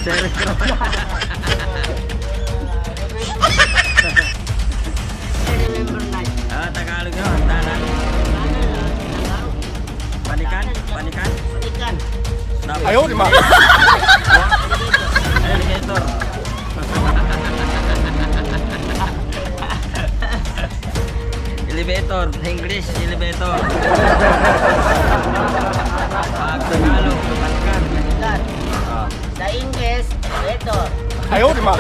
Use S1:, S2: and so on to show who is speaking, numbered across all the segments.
S1: Serikron.
S2: Remember night.
S1: Tagalog yun. Hagdanan. Panikan? Panikan?
S2: Panikan.
S3: Ayaw, di ba?
S1: Elevator. Elevator. English, elevator. Tagalog, panikan.
S2: Panikan. Sa English, elevator.
S3: Ayaw, di ba?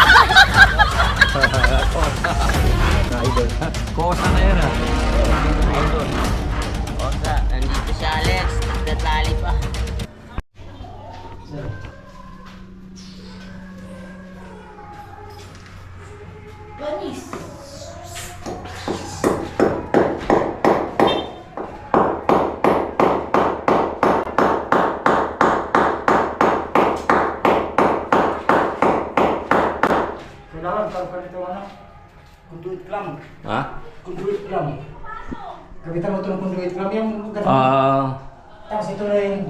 S1: Kosa na yun ah.
S2: Idol. Osa, nandito si Alex. Nagtatali pa. Panis.
S3: Kailangan pagpalit ito ano? Conduit clamp.
S1: Ha?
S3: Conduit clamp. Kapitan mo ito ng conduit clamp yung ganun. Tapos ito na yung...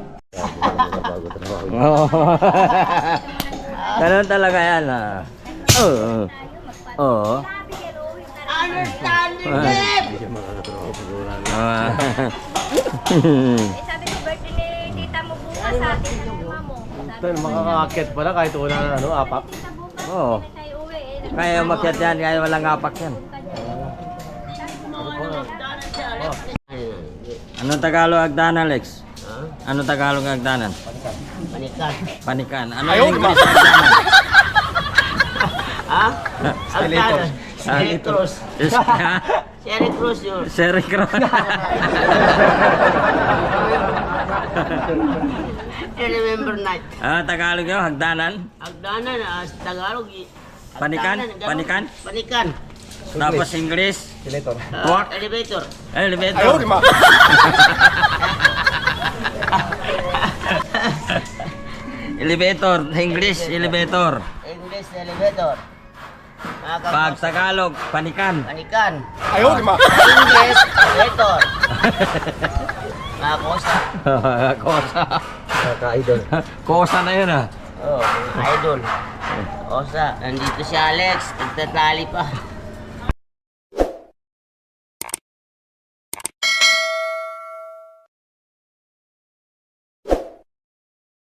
S1: Ganun talaga yan ah. Oo. Oo.
S2: Understanding them!
S4: Sabi ko birthday ni tita mo bukas sa atin ng mama mo.
S5: Ito, makakakit pala kahit una na ano, apak.
S1: Oo.
S4: Tayo uwi eh.
S1: Kaya umakyat yan, kaya walang apak yan. Anong Tagalog hagdanan, Alex? Anong Tagalog hagdanan?
S2: Panikan.
S1: Panikan. Ano
S3: Ayaw,
S1: yung
S3: di ba?
S1: English hagdanan?
S2: Ha?
S3: Skeletor.
S2: Sherry Cruz. Sherry Cruz yun.
S1: Serikron.
S2: Remember night.
S1: Tagalog yun, hagdanan.
S2: Agdanan, sa Tagalog.
S1: Panikan?
S2: Agdanan,
S1: Panikan?
S2: Panikan.
S1: Tapos English.
S5: Senator.
S1: Tuwak.
S2: Elevator.
S1: Elevator.
S3: Ayaw, di ba?
S1: Elevator. English, elevator.
S2: English elevator.
S1: Pag Tagalog, panikan.
S2: Panikan.
S3: Ayaw, di ba?
S2: English elevator. Kosa.
S1: Kosa.
S5: Kaka-idol.
S1: Kosa na yun ah.
S2: Oh, idol. Kosa, nandito si Alex. Nagtatali pa.